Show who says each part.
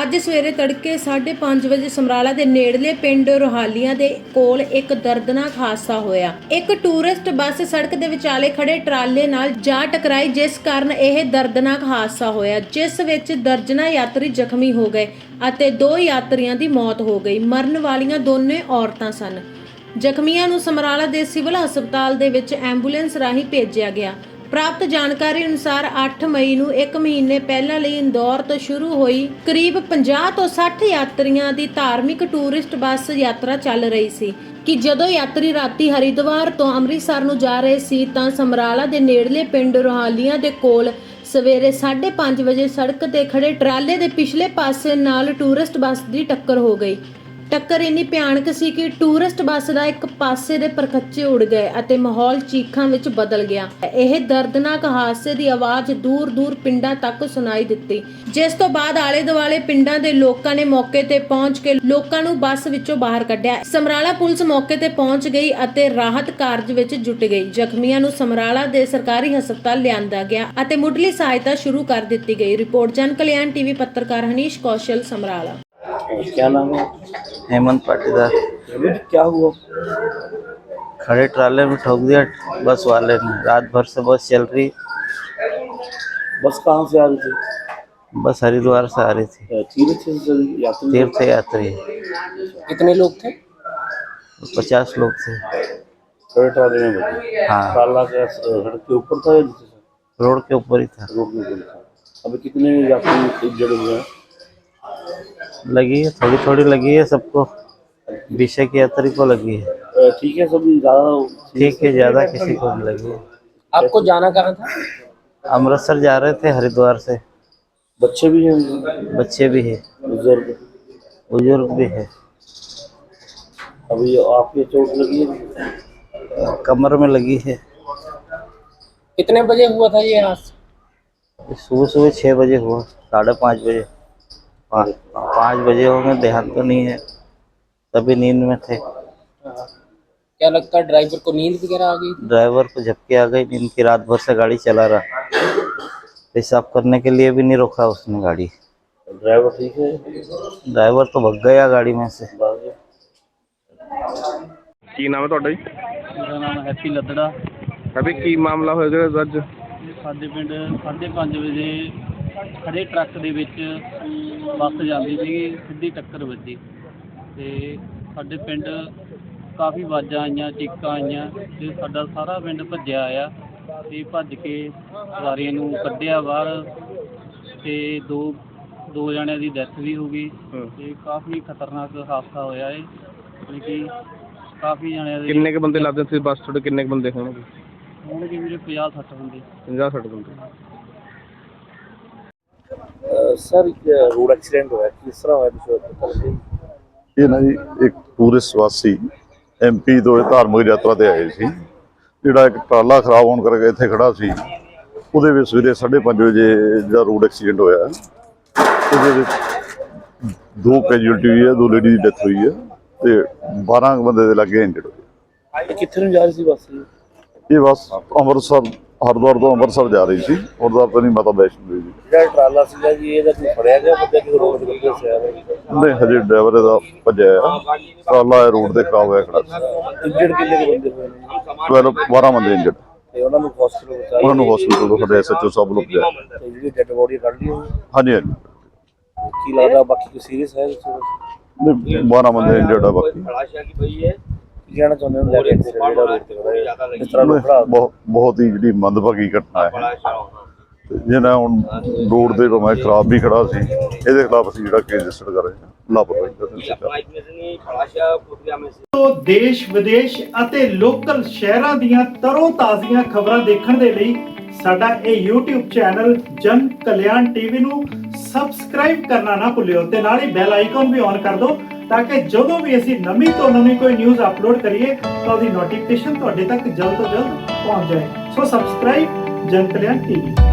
Speaker 1: ਅੱਜ ਸਵੇਰੇ ਤੜਕੇ 5:30 ਵਜੇ ਸਮਰਾਲਾ ਦੇ ਨੇੜਲੇ ਪਿੰਡ ਰੋਹਾਲੀਆਂ ਦੇ ਕੋਲ ਇੱਕ ਦਰਦਨਾਕ ਹਾਦਸਾ ਹੋਇਆ। ਇੱਕ ਟੂਰਿਸਟ ਬੱਸ ਸੜਕ ਦੇ ਵਿਚਾਲੇ ਖੜੇ ਟਰਾਲੇ ਨਾਲ ਜਾ ਟਕਰਾਈ, ਜਿਸ ਕਾਰਨ ਇਹ ਦਰਦਨਾਕ ਹਾਦਸਾ ਹੋਇਆ, ਜਿਸ ਵਿੱਚ ਦਰਜਨਾਂ ਯਾਤਰੀ ਜ਼ਖਮੀ ਹੋ ਗਏ ਅਤੇ 2 ਯਾਤਰੀਆਂ ਦੀ ਮੌਤ ਹੋ ਗਈ। ਮਰਨ ਵਾਲੀਆਂ ਦੋਨੇ ਔਰਤਾਂ ਸਨ। ਜ਼ਖਮੀਆਂ ਨੂੰ ਸਮਰਾਲਾ ਦੇ ਸਿਵਲ ਹਸਪਤਾਲ ਦੇ ਵਿੱਚ ਐਂਬੂਲੈਂਸ ਰਾਹੀਂ ਭੇਜਿਆ ਗਿਆ। ਪ੍ਰਾਪਤ ਜਾਣਕਾਰੀ ਅਨੁਸਾਰ 8 ਮਈ ਨੂੰ 1 ਮਹੀਨੇ ਪਹਿਲਾਂ ਲਈ ਇੰਦੌਰ ਤੋਂ ਸ਼ੁਰੂ ਹੋਈ ਕਰੀਬ 50 ਤੋਂ 60 ਯਾਤਰੀਆਂ ਦੀ ਧਾਰਮਿਕ ਟੂਰਿਸਟ ਬੱਸ ਯਾਤਰਾ ਚੱਲ ਰਹੀ ਸੀ ਕਿ ਜਦੋਂ ਯਾਤਰੀ ਰਾਤੀ ਹਰਿਦੁਆਰ ਤੋਂ ਅੰਮ੍ਰਿਤਸਰ ਨੂੰ ਜਾ ਰਹੇ ਸੀ ਤਾਂ ਸਮਰਾਲਾ ਦੇ ਨੇੜਲੇ ਪਿੰਡ ਰੋਹਾਲੀਆਂ ਦੇ ਕੋਲ ਸਵੇਰੇ 5:30 ਵਜੇ ਸੜਕ ਤੇ ਖੜੇ ਟਰਾਲੇ ਦੇ ਪਿਛਲੇ ਪਾਸੇ ਨਾਲ ਟੂਰਿਸਟ ਬੱਸ ਦੀ ਟੱਕਰ ਹੋ ਗਈ। ਟੱਕਰ ਇੰਨੀ ਭਿਆਨਕ ਸੀ ਕਿ ਟੂਰਿਸਟ ਬੱਸ ਦਾ ਇੱਕ ਪਾਸੇ ਦੇ ਪਰਖੱਚੇ ਉੱਡ ਗਏ ਅਤੇ ਮਾਹੌਲ ਚੀਖਾਂ ਵਿੱਚ ਬਦਲ ਗਿਆ। ਇਹ ਦਰਦਨਾਕ ਹਾਦਸੇ ਦੀ ਆਵਾਜ਼ ਦੂਰ-ਦੂਰ ਪਿੰਡਾਂ ਤੱਕ ਸੁਣਾਈ ਦਿੱਤੀ, ਜਿਸ ਤੋਂ ਬਾਅਦ ਆਲੇ-ਦੁਆਲੇ ਪਿੰਡਾਂ ਦੇ ਲੋਕਾਂ ਨੇ ਮੌਕੇ ਤੇ ਪਹੁੰਚ ਕੇ ਲੋਕਾਂ ਨੂੰ ਬੱਸ ਵਿੱਚੋਂ ਬਾਹਰ ਕੱਢਿਆ। ਸਮਰਾਲਾ ਪੁਲਿਸ ਮੌਕੇ ਤੇ ਪਹੁੰਚ ਗਈ ਅਤੇ ਰਾਹਤ ਕਾਰਜ ਵਿੱਚ ਜੁਟ ਗਈ। ਜ਼ਖਮੀਆਂ ਨੂੰ ਸਮਰਾਲਾ ਦੇ ਸਰਕਾਰੀ ਹਸਪਤਾਲ ਲਿਆਂਦਾ ਗਿਆ ਅਤੇ ਮੁੱਢਲੀ ਸਹਾਇਤਾ ਸ਼ੁਰੂ ਕਰ ਦਿੱਤੀ ਗਈ। ਰਿਪੋਰਟ ਜਨ ਕਲਿਆਣ टीवी पत्रकार हनीश कौशल समराला।
Speaker 2: क्या नाम है?
Speaker 3: हेमंत पाटीदार।
Speaker 2: क्या हुआ?
Speaker 3: खड़े ट्राले में ठोक दिया बस वाले ने। रात भर से बस चल रही।
Speaker 2: बस कहाँ से आ रही थी?
Speaker 3: बस हरिद्वार से आ रही थी। तीर्थ यात्री।
Speaker 2: कितने लोग थे?
Speaker 3: 50 लोग थे।
Speaker 2: खड़े ट्राले में बैठे?
Speaker 3: हाँ।
Speaker 2: ट्राला क्या सड़क के ऊपर था या नीचे था?
Speaker 3: रोड के ऊपर ही था।
Speaker 2: रोड के ऊपर था। अभी कितने यात्री जड़े हुए हैं?
Speaker 3: लगी है, थोड़ी थोड़ी लगी है सबको। 20 की यात्री को लगी है।
Speaker 2: ठीक है, सब ज्यादा
Speaker 3: ठीक है, ज्यादा किसी को नहीं लगी है।
Speaker 2: आपको जाना कहाँ था?
Speaker 3: अमृतसर जा रहे थे हरिद्वार से।
Speaker 2: बच्चे भी हैं?
Speaker 3: बच्चे भी है, बुजुर्ग भी है।
Speaker 2: अभी आपके चोट लगी है?
Speaker 3: कमर में लगी है।
Speaker 2: कितने बजे हुआ था ये हादसा?
Speaker 3: सुबह 6 बजे हुआ। 5:30 बजे 5 बजे होंगे, ध्यान तो नहीं है, तभी नींद में थे।
Speaker 2: क्या लगता है ड्राइवर को नींद वगैरह आ गई?
Speaker 3: ड्राइवर को झपकी आ गई नींद की। रात भर से गाड़ी चला रहा, पेशाब करने के लिए भी नहीं रोका उसने गाड़ी।
Speaker 2: ड्राइवर ठीक है?
Speaker 3: ड्राइवर तो भग गया गाड़ी में से।
Speaker 4: ਕੀ ਨਾਮ ਹੈ ਤੁਹਾਡਾ ਜੀ?
Speaker 5: ਮੇਰਾ ਨਾਮ ਹੈਪੀ ਲੱਦੜਾ।
Speaker 4: ਅਭੀ ਕੀ ਮਾਮਲਾ ਹੋਇਆ ਜਿਹੜਾ ਅੱਜ?
Speaker 5: ਸਾਡੇ ਪਿੰਡ 5:30 ਵਜੇ ਖੜੇ ਟਰੱਕ ਦੇ ਵਿੱਚ ਬੱਸ ਜਾਂਦੀ ਸੀਗੀ, ਸਿੱਧੀ ਟੱਕਰ ਵੱਜੀ ਅਤੇ ਸਾਡੇ ਪਿੰਡ ਕਾਫੀ ਆਵਾਜ਼ਾਂ ਆਈਆਂ, ਚੀਕਾਂ ਆਈਆਂ ਅਤੇ ਸਾਡਾ ਸਾਰਾ ਪਿੰਡ ਭੱਜਿਆ ਆਇਆ ਅਤੇ ਭੱਜ ਕੇ ਸਵਾਰੀਆਂ ਨੂੰ ਕੱਢਿਆ ਬਾਹਰ ਅਤੇ ਦੋ ਜਣਿਆਂ ਦੀ ਡੈਥ ਵੀ ਹੋ ਗਈ ਅਤੇ ਕਾਫੀ ਖਤਰਨਾਕ ਹਾਦਸਾ ਹੋਇਆ ਹੈ। ਮਤਲਬ ਕਿ ਕਾਫੀ ਜਣਿਆਂ ਦੇ।
Speaker 4: ਕਿੰਨੇ ਕੁ ਬੰਦੇ ਲੱਗਦੇ ਸੀ ਬੱਸ ਤੁਹਾਡੇ? ਕਿੰਨੇ ਕੁ ਬੰਦੇ ਹੋਣਗੇ?
Speaker 5: ਹੋਣਗੇ ਵੀਰੇ 50-60 ਬੰਦੇ।
Speaker 4: 50-60 ਬੰਦੇ।
Speaker 2: सर रोड एक्सीडेंट हुआ है, किस तरह हुआ?
Speaker 6: ਇਹ ਨਾ ਜੀ ਇੱਕ ਟੂਰਿਸਟ ਵਾਸੀ MP ਤੋਂ ਧਾਰਮਿਕ ਯਾਤਰਾ ਤੇ ਆਏ ਸੀ। ਜਿਹੜਾ ਇੱਕ ਟਰਾਲਾ ਖਰਾਬ ਹੋਣ ਕਰਕੇ ਇੱਥੇ ਖੜਾ ਸੀ, ਉਹਦੇ ਵਿੱਚ ਸਵੇਰੇ 5:30 ਵਜੇ ਜਿਹੜਾ ਰੋਡ ਐਕਸੀਡੈਂਟ ਹੋਇਆ, ਉਹਦੇ ਵਿੱਚ 2 ਕੈਜੂਅਲਟੀ ਹੋਈ ਹੈ, 2 ਲੇਡੀ ਦੀ ਡੈਥ ਹੋਈ ਹੈ ਤੇ 12 ਬੰਦੇ ਦੇ ਲੱਗੇ ਇੰਜਰਡ ਹੋਏ।
Speaker 2: कितने में जा रही थी बस?
Speaker 6: ਇਹ ਬੱਸ ਅੰਮ੍ਰਿਤਸਰ ਹਰਿਦੁਆਰ ਤੋਂ ਅੰਮ੍ਰਿਤਸਰ ਜਾ ਰਹੀ ਸੀ। ਹਰਿਦੁਆਰ ਤੋਂ ਨਹੀਂ, ਮਾਤਾ ਵੈਸ਼ਨੋ ਦੇਵੀ ਜੀ।
Speaker 2: ਜਿਹੜਾ ਟਰਾਲਾ ਸੀਗਾ ਜੀ, ਇਹਦਾ ਕੋਈ ਫੜਿਆ ਗਿਆ ਬੰਦਾ ਕਿ ਰੋਡ ਦੇ ਉੱਤੇ ਸਿਆ ਰਿਹਾ?
Speaker 6: ਨਹੀਂ, ਹਜੇ ਡਰਾਈਵਰ ਇਹਦਾ ਭੱਜਿਆ ਆ। ਟਰਾਲਾ ਰੋਡ ਤੇ ਖਰਾਬ ਹੋਇਆ ਖੜਾ ਸੀ।
Speaker 2: ਇੰਜਰਡ ਕਿੰਨੇ ਕੁ ਬੰਦੇ ਹੋਏ ਨੇ?
Speaker 6: 12 ਬੰਦੇ ਇੰਜਰਡ।
Speaker 2: ਤੇ ਉਹਨਾਂ ਨੂੰ ਹਸਪੀਟਲ ਪਹੁੰਚਾਇਆ?
Speaker 6: ਉਹਨਾਂ ਨੂੰ ਹਸਪੀਟਲ ਤੋਂ ਸਾਡੇ SHO ਸਭ ਲੋਕ ਗਏ।
Speaker 2: ਤੇ ਜਿਹੜੀ ਡੈਡ ਬੋਡੀ ਕੱਢ ਲਈ ਹੋਈ?
Speaker 6: ਹਾਂਜੀ ਹਾਂਜੀ।
Speaker 2: ਕੀ ਲੱਗਦਾ ਬਾਕੀ ਕੋਈ ਸੀਰੀਅਸ ਹੈ?
Speaker 6: ਨਹੀਂ, 12 ਬੰਦੇ ਇੰਜਰਡ ਆ ਬਾਕੀ।
Speaker 2: ਕੀ ਕਹਿਣਾ ਚਾਹੁੰਦੇ ਹੋ ਲੈ ਕੇ ਜਿਹੜਾ ਰੋਡ ਤੇ ਖੜਾ ਇਸ ਤਰ੍ਹਾਂ ਨੂੰ ਖੜਾ?
Speaker 6: ਬਹੁਤ ਹੀ ਜਿਹੜੀ ਮੰਦਭਾਗੀ ਘਟਨਾ ਹੈ। ਜਿਹਨਾਂ ਹੁਣ ਰੋਡ ਦੇ ਭਾਵੇਂ ਖਰਾਬ ਵੀ ਖੜਾ ਸੀ, ਇਹਦੇ ਖਿਲਾਫ ਅਸੀਂ ਜਿਹੜਾ ਕੇਸ ਰਜਿਸਟਰ ਕਰ ਰਹੇ ਹਾਂ, ਲਾਪਰਵਾਹੀ ਦਾ ਦੋਸ਼ੀ।
Speaker 7: ਦੇਸ਼ ਵਿਦੇਸ਼ ਅਤੇ ਲੋਕਲ ਸ਼ਹਿਰਾਂ ਦੀਆਂ ਤਰੋ ਤਾਜ਼ੀਆਂ ਖਬਰਾਂ ਦੇਖਣ ਦੇ ਲਈ ਸਾਡਾ ਇਹ YouTube ਚੈਨਲ ਜਨ ਕਲਿਆਣ TV ਨੂੰ ਸਬਸਕ੍ਰਾਈਬ ਕਰਨਾ ਨਾ ਭੁੱਲਿਓ ਤੇ ਨਾਲ ਹੀ ਬੈਲ ਆਈਕਨ ਵੀ ਔਨ ਕਰ ਦਿਓ ताकि ਜਦੋਂ ਵੀ ਅਸੀਂ ਨਵੀਂ ਤੋਂ ਨਵੀਂ ਕੋਈ ਨਿਊਜ਼ ਅਪਲੋਡ ਕਰੀਏ ਤਾਂ ਉਹਦੀ ਨੋਟੀਫਿਕੇਸ਼ਨ ਤੁਹਾਡੇ ਤੱਕ ਜਲਦ ਤੋਂ ਜਲਦ ਪਹੁੰਚ ਜਾਏ। ਸੋ ਸਬਸਕ੍ਰਾਈਬ ਜਨ ਕਲਿਆਣ TV।